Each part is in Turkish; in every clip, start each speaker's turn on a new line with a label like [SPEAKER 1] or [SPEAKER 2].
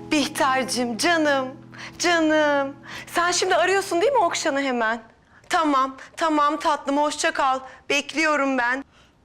[SPEAKER 1] Bihter'cim canım, canım. Sen şimdi arıyorsun değil mi Okşan'ı hemen? Tamam, tamam tatlım hoşça kal. Bekliyorum ben.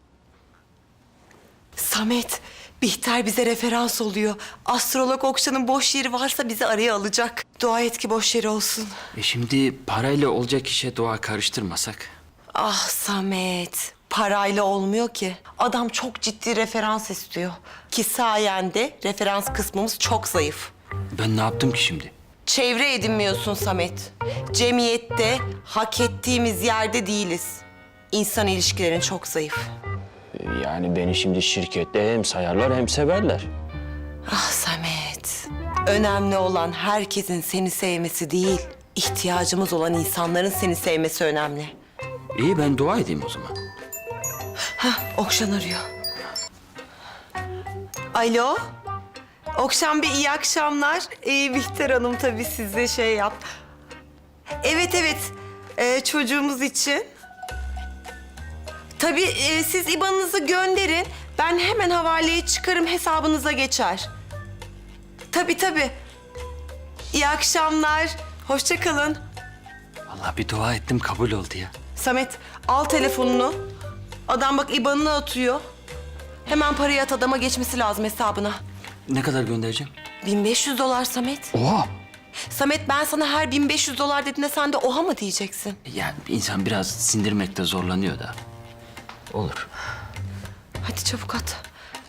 [SPEAKER 1] Samet, Bihter bize referans oluyor. Astrolog Okşan'ın boş yeri varsa bizi araya alacak. Dua et ki boş yeri olsun.
[SPEAKER 2] Şimdi parayla olacak işe dua karıştırmasak.
[SPEAKER 1] Ah Samet, parayla olmuyor ki. Adam çok ciddi referans istiyor. Ki sayende referans kısmımız çok zayıf.
[SPEAKER 2] Ben ne yaptım ki şimdi?
[SPEAKER 1] Çevre edinmiyorsun Samet. Cemiyette hak ettiğimiz yerde değiliz. İnsan ilişkilerin çok zayıf.
[SPEAKER 2] Yani beni şimdi şirkette hem sayarlar hem severler.
[SPEAKER 1] Ah Samet, önemli olan herkesin seni sevmesi değil, ihtiyacımız olan insanların seni sevmesi önemli.
[SPEAKER 2] İyi ben dua edeyim o zaman.
[SPEAKER 1] Hah, Okşan arıyor. Alo? Okşan Bey iyi akşamlar. Bihter Hanım tabii size şey yap. Evet evet, çocuğumuz için. Tabii siz IBAN'ınızı gönderin. Ben hemen havaleye çıkarım, hesabınıza geçer. Tabii tabii. İyi akşamlar. Hoşça kalın.
[SPEAKER 2] Vallahi bir dua ettim kabul oldu ya.
[SPEAKER 1] Samet al telefonunu. Adam bak IBAN'ını atıyor. Hemen parayı at, adama geçmesi lazım hesabına.
[SPEAKER 2] Ne kadar göndereceğim?
[SPEAKER 1] $1500 Samet.
[SPEAKER 2] Oha!
[SPEAKER 1] Samet ben sana her $1500 dediğinde sen de oha mı diyeceksin?
[SPEAKER 2] Yani insan biraz sindirmekte zorlanıyor da. Olur.
[SPEAKER 1] Hadi çabuk at.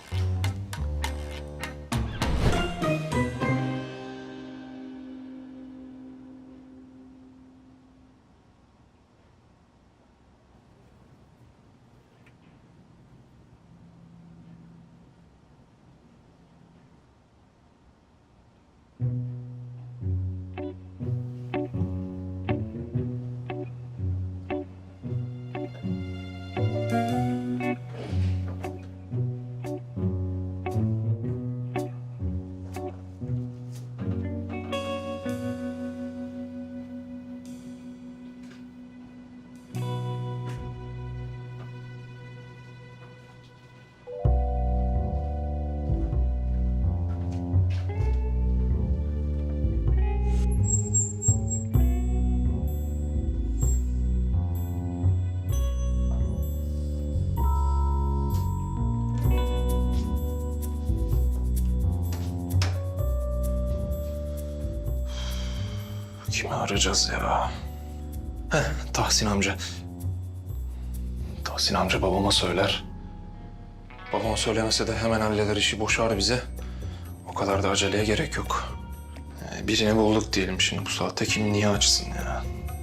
[SPEAKER 3] Kimi arayacağız ya? Tahsin amca. Tahsin amca babama söyler. Babama söylemese de hemen halleder işi, boşar bize. O kadar da aceleye gerek yok. Birini bulduk diyelim şimdi bu saatte kim niye açsın ya?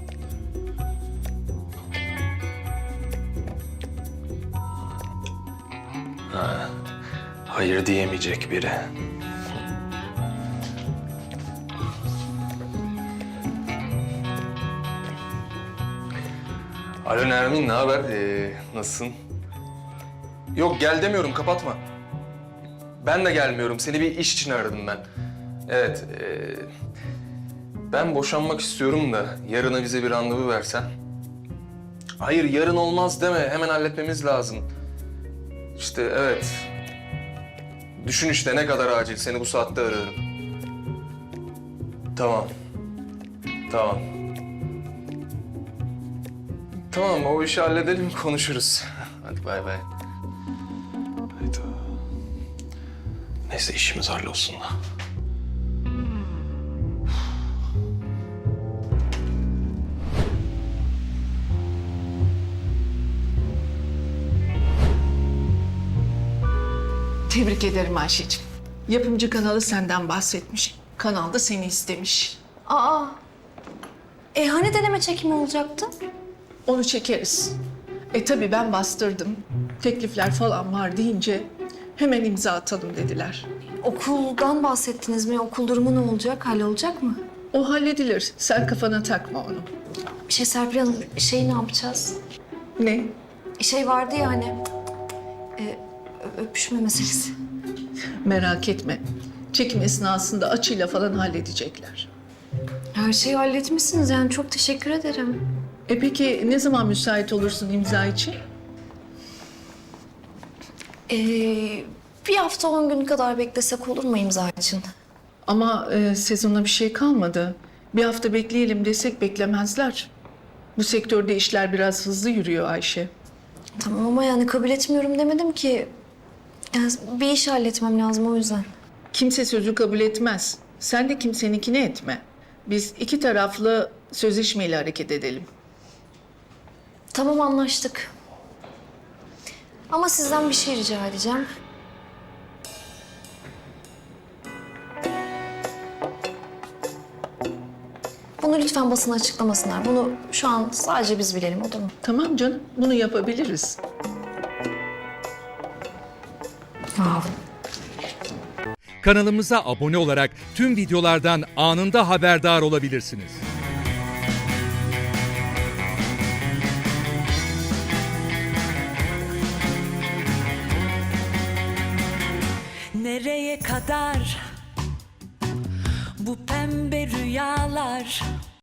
[SPEAKER 3] Hayır diyemeyecek biri. Alo Nermin, ne haber? Nasılsın? Yok gel demiyorum, kapatma. Ben de gelmiyorum, seni bir iş için aradım ben. Evet, ben boşanmak istiyorum da yarına bize bir randevu versen. Hayır, yarın olmaz deme, hemen halletmemiz lazım. İşte evet. Düşün işte ne kadar acil, seni bu saatte arıyorum. Tamam. Tamam. Tamam, o işi halledelim, konuşuruz. Hadi bay bay. Hayda. Neyse, işimiz hallolsun da.
[SPEAKER 4] Tebrik ederim Ayşeciğim. Yapımcı kanalı senden bahsetmiş. Kanal da seni istemiş.
[SPEAKER 5] Aa, hani deneme çekimi olacaktı?
[SPEAKER 4] Onu çekeriz. Tabii ben bastırdım. Teklifler falan var deyince hemen imza atalım dediler.
[SPEAKER 5] Okuldan bahsettiniz mi? Okul durumu ne olacak? Hallolacak mı?
[SPEAKER 4] O halledilir. Sen kafana takma onu.
[SPEAKER 5] Serpil Hanım, ne yapacağız?
[SPEAKER 4] Ne?
[SPEAKER 5] Vardı ya hani, öpüşme meselesi.
[SPEAKER 4] Merak etme. Çekim esnasında açıyla falan halledecekler.
[SPEAKER 5] Her şeyi halletmişsiniz yani, çok teşekkür ederim.
[SPEAKER 4] Peki ne zaman müsait olursun imza için?
[SPEAKER 5] Bir hafta 10 gün kadar beklesek olur mu imza için?
[SPEAKER 4] Ama sezona bir şey kalmadı. Bir hafta bekleyelim desek beklemezler. Bu sektörde işler biraz hızlı yürüyor Ayşe.
[SPEAKER 5] Tamam ama yani kabul etmiyorum demedim ki. Yani bir iş halletmem lazım o yüzden.
[SPEAKER 4] Kimse sözü kabul etmez. Sen de kimseninkini etme. Biz iki taraflı sözleşmeyle hareket edelim.
[SPEAKER 5] Tamam anlaştık. Ama sizden bir şey rica edeceğim. Bunu lütfen basına açıklamasınlar. Bunu şu an sadece biz bilelim, olur mu?
[SPEAKER 4] Tamam canım, bunu yapabiliriz.
[SPEAKER 6] Kanalımıza abone olarak tüm videolardan anında haberdar olabilirsiniz.
[SPEAKER 7] Nereye kadar bu pembe rüyalar?